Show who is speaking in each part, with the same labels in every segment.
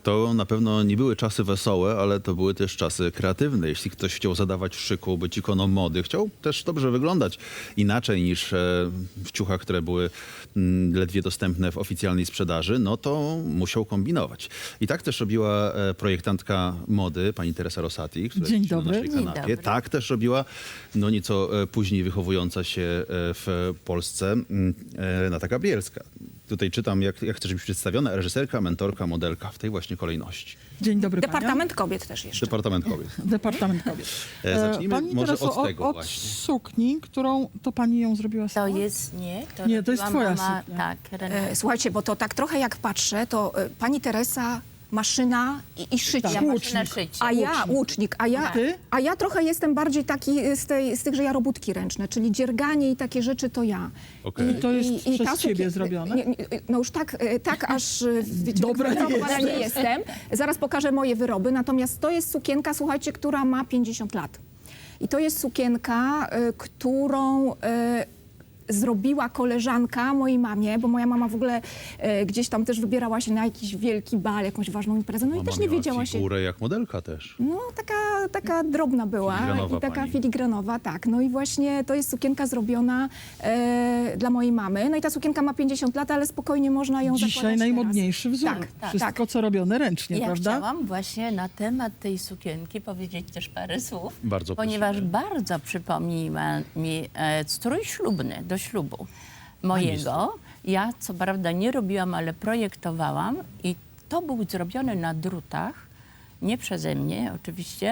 Speaker 1: To na pewno nie były czasy wesołe, ale to były też czasy kreatywne. Jeśli ktoś chciał zadawać szyku, być ikoną mody, chciał też dobrze wyglądać inaczej niż w ciuchach, które były ledwie dostępne w oficjalnej sprzedaży, no to musiał kombinować. I tak też robiła projektantka mody, pani Teresa Rosati, która
Speaker 2: Dzień
Speaker 1: jest na
Speaker 2: dobry.
Speaker 1: naszej
Speaker 3: Dzień
Speaker 1: kanapie.
Speaker 3: dobry.
Speaker 1: Tak też robiła no nieco później wychowująca się w Polsce Renata Gabrielska. Tutaj czytam, jak chcesz być przedstawiona, reżyserka, mentorka, modelka w tej właśnie kolejności.
Speaker 2: Dzień dobry,
Speaker 4: Departament Kobiet też jeszcze.
Speaker 1: Departament Kobiet.
Speaker 2: panią. Departament Kobiet.
Speaker 1: Zacznijmy
Speaker 2: Pani
Speaker 1: może
Speaker 2: Tereso,
Speaker 1: od tego
Speaker 2: od
Speaker 1: właśnie.
Speaker 2: sukni, którą to pani ją zrobiła
Speaker 3: To
Speaker 2: sama?
Speaker 3: jest,
Speaker 2: Nie, to jest
Speaker 3: robiła
Speaker 2: twoja
Speaker 3: mama,
Speaker 2: suknia.
Speaker 3: Tak, Renata.
Speaker 4: Słuchajcie, bo to tak trochę jak patrzę, to pani Teresa maszyna i szycie.
Speaker 2: Tak,
Speaker 3: Ja
Speaker 2: łucznik.
Speaker 3: maszyna szycie.
Speaker 4: A ja, łucznik,
Speaker 2: Ty?
Speaker 4: a ja trochę jestem bardziej taki z tych, że ja robótki ręczne, czyli dzierganie i takie rzeczy to ja.
Speaker 1: Okej.
Speaker 2: To jest przez
Speaker 4: ta
Speaker 2: ciebie zrobione?
Speaker 4: No już tak aż
Speaker 2: Dobra, nie
Speaker 4: wyrobowana nie
Speaker 2: jesteś.
Speaker 4: jestem. Zaraz pokażę moje wyroby, natomiast to jest sukienka, słuchajcie, która ma 50 lat. I to jest sukienka, którą zrobiła koleżanka mojej mamie, bo moja mama w ogóle gdzieś tam też wybierała się na jakiś wielki bal, jakąś ważną imprezę, no i
Speaker 1: Mama
Speaker 4: też nie
Speaker 1: miała
Speaker 4: wiedziała się.
Speaker 1: figurę jak modelka też.
Speaker 4: No, taka drobna była
Speaker 1: Filigranowa
Speaker 4: i taka
Speaker 1: pani.
Speaker 4: filigranowa, tak. No i właśnie to jest sukienka zrobiona dla mojej mamy. No i ta sukienka ma 50 lat, ale spokojnie można ją
Speaker 2: Dzisiaj
Speaker 4: zakładać
Speaker 2: najmodniejszy wzór.
Speaker 4: Tak,
Speaker 2: Wszystko,
Speaker 4: tak.
Speaker 2: co robione ręcznie,
Speaker 3: Ja
Speaker 2: prawda?
Speaker 3: chciałam właśnie na temat tej sukienki powiedzieć też parę słów,
Speaker 1: Bardzo
Speaker 3: ponieważ
Speaker 1: prosimy.
Speaker 3: bardzo przypomniła mi strój ślubny do ślubu mojego. Ja co prawda nie robiłam, ale projektowałam i to był zrobiony na drutach, nie przeze mnie oczywiście,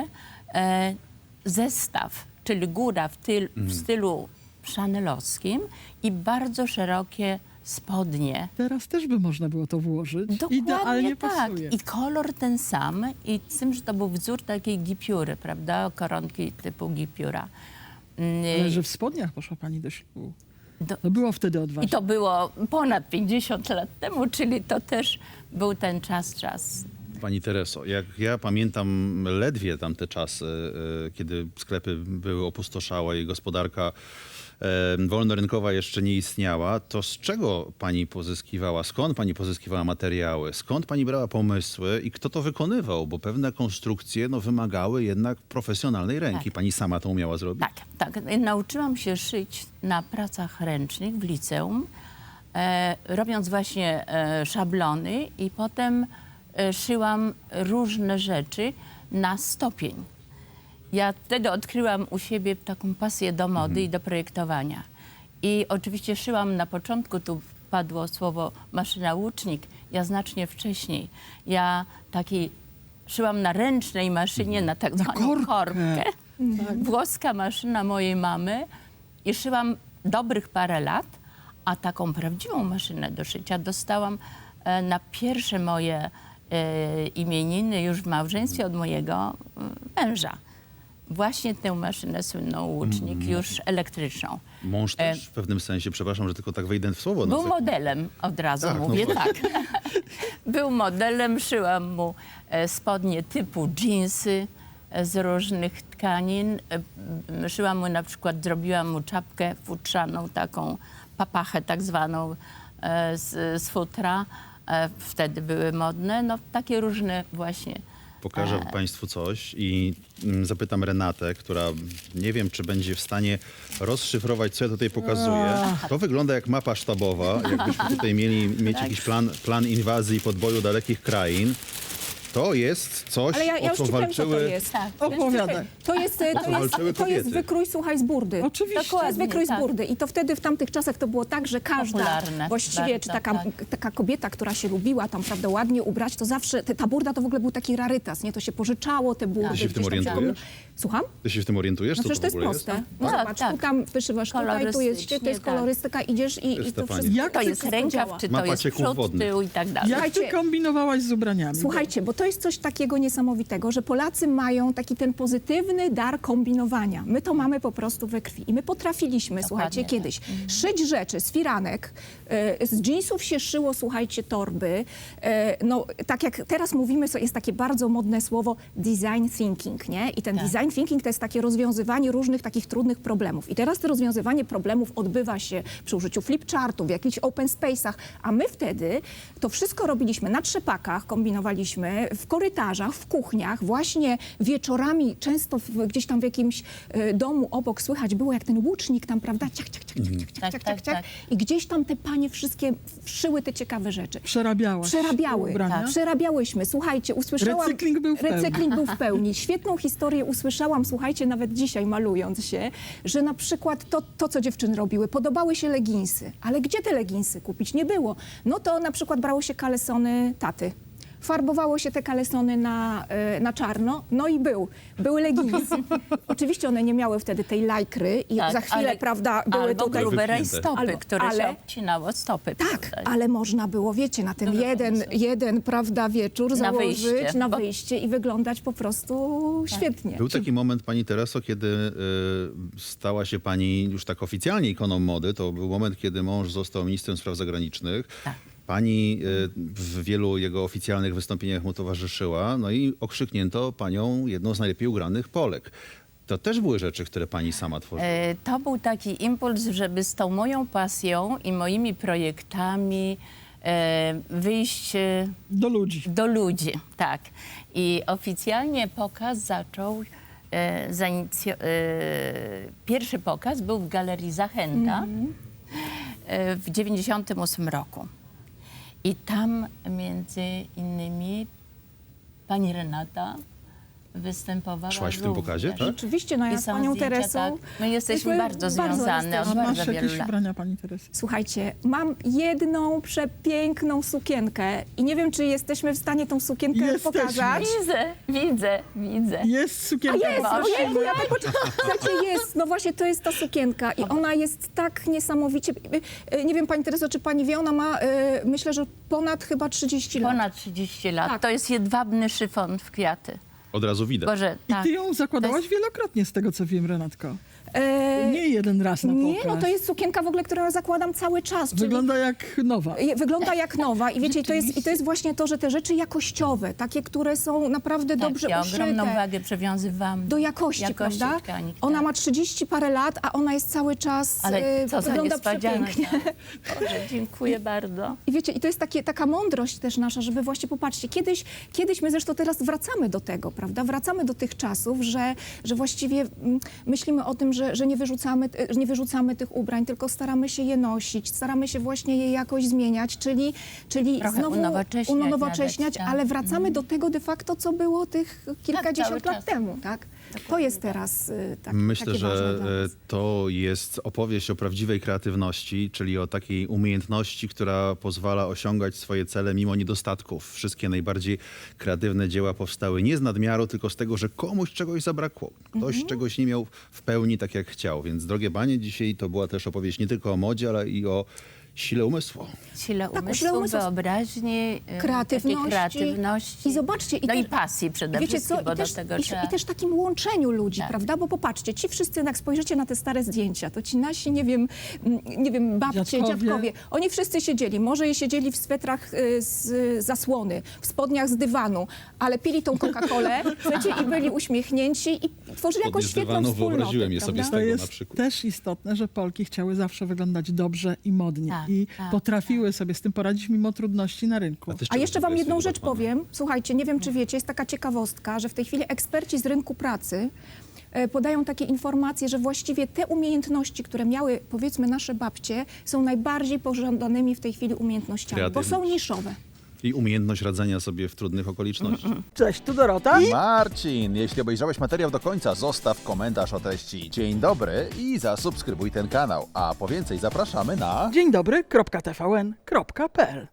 Speaker 3: zestaw, czyli góra w stylu chanelowskim i bardzo szerokie spodnie.
Speaker 2: Teraz też by można było to włożyć.
Speaker 3: Dokładnie
Speaker 2: Idealnie
Speaker 3: tak.
Speaker 2: pasuje.
Speaker 3: I kolor ten sam i z tym, że to był wzór takiej gipiury, prawda? Koronki typu gipiura.
Speaker 2: Ale że w spodniach poszła pani do ślubu.
Speaker 3: Do-
Speaker 2: To było wtedy
Speaker 3: I
Speaker 2: odważne.
Speaker 3: to było ponad 50 lat temu, czyli to też był ten czas.
Speaker 1: Pani Tereso, jak ja pamiętam ledwie tamte czasy, kiedy sklepy były opustoszałe i gospodarka wolnorynkowa jeszcze nie istniała, to z czego pani pozyskiwała, skąd pani pozyskiwała materiały, skąd pani brała pomysły i kto to wykonywał? Bo pewne konstrukcje no, wymagały jednak profesjonalnej ręki.
Speaker 3: Tak.
Speaker 1: Pani sama to umiała zrobić?
Speaker 3: Tak. Nauczyłam się szyć na pracach ręcznych w liceum, robiąc właśnie szablony i potem szyłam różne rzeczy na stopień. Ja wtedy odkryłam u siebie taką pasję do mody i do projektowania. I oczywiście szyłam na początku, tu padło słowo maszyna łucznik, ja znacznie wcześniej. Ja szyłam na ręcznej maszynie, na tak zwaną korbkę. Włoska maszyna mojej mamy i szyłam dobrych parę lat, a taką prawdziwą maszynę do szycia dostałam na pierwsze moje imieniny już w małżeństwie od mojego męża. Właśnie tę maszynę słynną łucznik, już elektryczną.
Speaker 1: Mąż też w pewnym sensie, przepraszam, że tylko tak wejdę w słowo.
Speaker 3: Był
Speaker 1: no,
Speaker 3: modelem, od razu
Speaker 1: Tak, no
Speaker 3: mówię,
Speaker 1: właśnie.
Speaker 3: tak. Był modelem, szyłam mu spodnie typu dżinsy z różnych tkanin. Szyłam mu na przykład, zrobiłam mu czapkę futrzaną, taką papachę tak zwaną z futra. Wtedy były modne, no takie różne właśnie.
Speaker 1: Pokażę Państwu coś i zapytam Renatę, która nie wiem, czy będzie w stanie rozszyfrować, co ja tutaj pokazuję. To wygląda jak mapa sztabowa, jakbyśmy tutaj mieć jakiś plan inwazji i podboju dalekich krain. To jest coś,
Speaker 4: Ale ja
Speaker 1: o
Speaker 4: już
Speaker 1: co
Speaker 4: ci powiem, co to
Speaker 1: walczyły...
Speaker 4: jest.
Speaker 3: Tak.
Speaker 2: Opowiadaj.
Speaker 1: walczyły
Speaker 4: To jest
Speaker 1: kobiety.
Speaker 4: wykrój, słuchaj, z burdy.
Speaker 2: Oczywiście.
Speaker 4: To jest
Speaker 3: Dokładnie,
Speaker 4: wykrój z
Speaker 3: tak.
Speaker 4: burdy. I to wtedy w tamtych czasach to było tak, że każda
Speaker 3: Popularne
Speaker 4: właściwie,
Speaker 3: bardzo,
Speaker 4: czy taka,
Speaker 3: tak.
Speaker 4: taka kobieta, która się lubiła tam, prawda, ładnie ubrać, to zawsze, ta burda to w ogóle był taki rarytas, nie? To się pożyczało, te burdy.
Speaker 1: Ty się w tym
Speaker 4: gdzieś tam
Speaker 1: orientujesz?
Speaker 4: Słucham?
Speaker 1: Ty się w tym orientujesz?
Speaker 4: No
Speaker 1: Co
Speaker 4: przecież to jest
Speaker 1: w ogóle
Speaker 4: proste. No
Speaker 3: Tak,
Speaker 4: zobacz,
Speaker 3: tak.
Speaker 4: tu tam wyszywasz tutaj, tu jest, to jest
Speaker 3: Kolorystycznie,
Speaker 4: kolorystyka, idziesz i to
Speaker 1: Stefanie.
Speaker 4: wszystko.
Speaker 2: Jak
Speaker 3: To
Speaker 2: ty
Speaker 3: jest rękaw, czy to
Speaker 1: Mapa
Speaker 3: jest
Speaker 1: cieków
Speaker 3: przód,
Speaker 1: wodnych.
Speaker 3: tył i tak dalej.
Speaker 2: Jak ty
Speaker 4: Słuchajcie,
Speaker 2: kombinowałaś z ubraniami?
Speaker 4: Słuchajcie, bo to jest coś takiego niesamowitego, że Polacy mają taki ten pozytywny dar kombinowania. My to mamy po prostu we krwi. I my potrafiliśmy, słuchajcie,
Speaker 3: tak.
Speaker 4: kiedyś szyć rzeczy z firanek, z dżinsów się szyło, słuchajcie, torby. No, tak jak teraz mówimy, jest takie bardzo modne słowo design thinking, nie? I ten design thinking to jest takie rozwiązywanie różnych takich trudnych problemów. I teraz to rozwiązywanie problemów odbywa się przy użyciu flipchartu, w jakichś open space'ach, a my wtedy to wszystko robiliśmy na trzepakach, kombinowaliśmy w korytarzach, w kuchniach, właśnie wieczorami, często gdzieś tam w jakimś domu obok słychać było, jak ten łucznik tam, prawda, ciach, ciach, ciach, ciach, ciach, ciach, ciach, ciach, ciach. I gdzieś tam te panie wszystkie wszyły te ciekawe rzeczy.
Speaker 2: Przerabiałaś
Speaker 4: Przerabiały,
Speaker 2: ubrania?
Speaker 4: przerabiałyśmy. Słuchajcie, usłyszałam...
Speaker 2: Recykling był w pełni.
Speaker 4: Recykling był w pełni. Świetną historię usłyszałam, słuchajcie, nawet dzisiaj malując się, że na przykład to, co dziewczyny robiły, podobały się leginsy. Ale gdzie te leginsy kupić? Nie było. No to na przykład brało się kalesony taty. Farbowało się te kalesony na czarno, no i były leginsy. Oczywiście one nie miały wtedy tej lajkry i za chwilę, prawda, były
Speaker 3: albo
Speaker 4: tutaj...
Speaker 3: grube
Speaker 1: Wypchnięte.
Speaker 3: rajstopy, które się
Speaker 4: ale-
Speaker 3: obcinało stopy.
Speaker 4: Tak,
Speaker 3: prawda?
Speaker 4: ale można było, wiecie, na ten
Speaker 3: Dużo
Speaker 4: jeden, prawda, wieczór założyć
Speaker 3: wyjście.
Speaker 4: na wyjście i wyglądać po prostu świetnie.
Speaker 1: Był taki moment, pani Tereso, kiedy stała się pani już tak oficjalnie ikoną mody. To był moment, kiedy mąż został ministrem spraw zagranicznych.
Speaker 3: Tak.
Speaker 1: Pani w wielu jego oficjalnych wystąpieniach mu towarzyszyła, no i okrzyknięto panią jedną z najlepiej ugranych Polek. To też były rzeczy, które pani sama tworzyła.
Speaker 3: To był taki impuls, żeby z tą moją pasją i moimi projektami wyjść
Speaker 2: Do ludzi.
Speaker 3: do ludzi. Tak. I oficjalnie pokaz zaczął, pierwszy pokaz był w Galerii Zachęta w 98 roku. I tam między innymi pani Renata występowała
Speaker 1: Szłaś w tym
Speaker 3: również.
Speaker 1: pokazie, tak?
Speaker 4: Rzeczywiście, no ja
Speaker 3: I
Speaker 4: z
Speaker 3: są
Speaker 4: panią
Speaker 3: zdjęcia,
Speaker 4: Teresą...
Speaker 3: tak. My jesteśmy
Speaker 4: myśmy
Speaker 3: bardzo związane
Speaker 2: A
Speaker 3: od
Speaker 2: masz
Speaker 3: bardzo wielu
Speaker 2: jakieś
Speaker 3: lat.
Speaker 2: ubrania pani Teresy?
Speaker 4: Słuchajcie, mam jedną przepiękną sukienkę i nie wiem, czy jesteśmy w stanie tą sukienkę
Speaker 2: Jesteśmy.
Speaker 4: pokazać.
Speaker 3: Widzę.
Speaker 2: Jest sukienka.
Speaker 4: Jest,
Speaker 3: Boże.
Speaker 4: ojejku, ja tak słuchajcie, jest, no właśnie to jest ta sukienka i ona jest tak niesamowicie, nie wiem pani Tereso, czy pani wie, ona ma, myślę, że ponad chyba 30 lat.
Speaker 3: Ponad 30 lat.
Speaker 4: Tak.
Speaker 3: To jest jedwabny szyfon w kwiaty.
Speaker 1: Od razu widać.
Speaker 3: Boże,
Speaker 2: I
Speaker 3: tak.
Speaker 2: ty ją zakładałaś
Speaker 3: To jest-
Speaker 2: wielokrotnie, z tego co wiem, Renatko.
Speaker 4: E,
Speaker 2: Nie jeden raz na
Speaker 4: nie,
Speaker 2: pokaz.
Speaker 4: no to jest sukienka w ogóle, którą ja zakładam cały czas. Czyli
Speaker 2: Wygląda jak nowa.
Speaker 4: wygląda jak nowa i wiecie, i to jest właśnie to, że te rzeczy jakościowe, takie, które są naprawdę dobrze
Speaker 3: ja
Speaker 4: uszyte.
Speaker 3: ogromną wagę przywiązywam
Speaker 4: Do jakości, prawda?
Speaker 3: tkanik,
Speaker 4: Ona
Speaker 3: tak.
Speaker 4: ma 30 parę lat, a ona jest cały czas,
Speaker 3: Ale co za
Speaker 4: wygląda
Speaker 3: niespodzianka.
Speaker 4: przepięknie.
Speaker 3: Boże, dziękuję bardzo.
Speaker 4: I wiecie, i to jest taka mądrość też nasza, żeby właśnie popatrzcie, kiedyś my zresztą teraz wracamy do tego, prawda? Wracamy do tych czasów, że właściwie myślimy o tym, że nie wyrzucamy tych ubrań, tylko staramy się je nosić, staramy się właśnie je jakoś zmieniać, czyli
Speaker 3: Trochę
Speaker 4: znowu
Speaker 3: nawet,
Speaker 4: unowocześniać,
Speaker 3: tak.
Speaker 4: ale wracamy do tego de facto, co było tych kilkadziesiąt
Speaker 3: cały
Speaker 4: lat
Speaker 3: czas.
Speaker 4: temu, tak? To jest teraz
Speaker 1: Myślę,
Speaker 4: takie ważne
Speaker 1: że
Speaker 4: dla nas.
Speaker 1: to jest opowieść o prawdziwej kreatywności, czyli o takiej umiejętności, która pozwala osiągać swoje cele mimo niedostatków. Wszystkie najbardziej kreatywne dzieła powstały nie z nadmiaru, tylko z tego, że komuś czegoś zabrakło. Ktoś czegoś nie miał w pełni tak, jak chciał. Więc drogie panie, dzisiaj to była też opowieść nie tylko o modzie, ale i o sile umysłu.
Speaker 3: Sile
Speaker 4: Tak,
Speaker 3: umysłu,
Speaker 4: sile umysłu,
Speaker 3: wyobraźni,
Speaker 4: kreatywności.
Speaker 3: takiej kreatywności.
Speaker 4: I zobaczcie,
Speaker 3: no i pasji przede
Speaker 4: wiecie
Speaker 3: wszystkim,
Speaker 4: co,
Speaker 3: bo
Speaker 4: i też,
Speaker 3: do tego
Speaker 4: i,
Speaker 3: trzeba...
Speaker 4: i też takim łączeniu ludzi,
Speaker 3: Tak.
Speaker 4: prawda? Bo popatrzcie, ci wszyscy, jak spojrzycie na te stare zdjęcia, to ci nasi, nie wiem, babcie, dziadkowie, oni wszyscy siedzieli, może siedzieli w swetrach z zasłony, w spodniach z dywanu, ale pili tą Coca-Colę, słuchajcie, i byli uśmiechnięci i tworzyli jakąś
Speaker 1: z
Speaker 4: świetną
Speaker 1: dywanu
Speaker 4: wspólnotę,
Speaker 1: wyobraziłem je sobie
Speaker 4: prawda?
Speaker 1: z
Speaker 2: To
Speaker 1: tego na
Speaker 2: jest
Speaker 1: przykład.
Speaker 2: też istotne, że Polki chciały zawsze wyglądać dobrze i modnie.
Speaker 3: Tak,
Speaker 2: I
Speaker 3: tak,
Speaker 2: potrafiły sobie z tym poradzić mimo trudności na rynku.
Speaker 1: ty z
Speaker 4: A
Speaker 1: czego
Speaker 4: jeszcze
Speaker 1: w ogóle
Speaker 4: wam jedną
Speaker 1: jesteś
Speaker 4: rzecz
Speaker 1: wyrobiona?
Speaker 4: powiem. Słuchajcie, nie wiem, czy wiecie, jest taka ciekawostka, że w tej chwili eksperci z rynku pracy podają takie informacje, że właściwie te umiejętności, które miały, powiedzmy, nasze babcie, są najbardziej pożądanymi w tej chwili umiejętnościami, bo są
Speaker 1: Kreatywność.
Speaker 4: niszowe.
Speaker 1: I umiejętność radzenia sobie w trudnych okolicznościach.
Speaker 2: Cześć, tu Dorota.
Speaker 5: Marcin, jeśli obejrzałeś materiał do końca, zostaw komentarz o treści dzień dobry i zasubskrybuj ten kanał. A po więcej zapraszamy na...
Speaker 2: Dzień dobry, .tvn.pl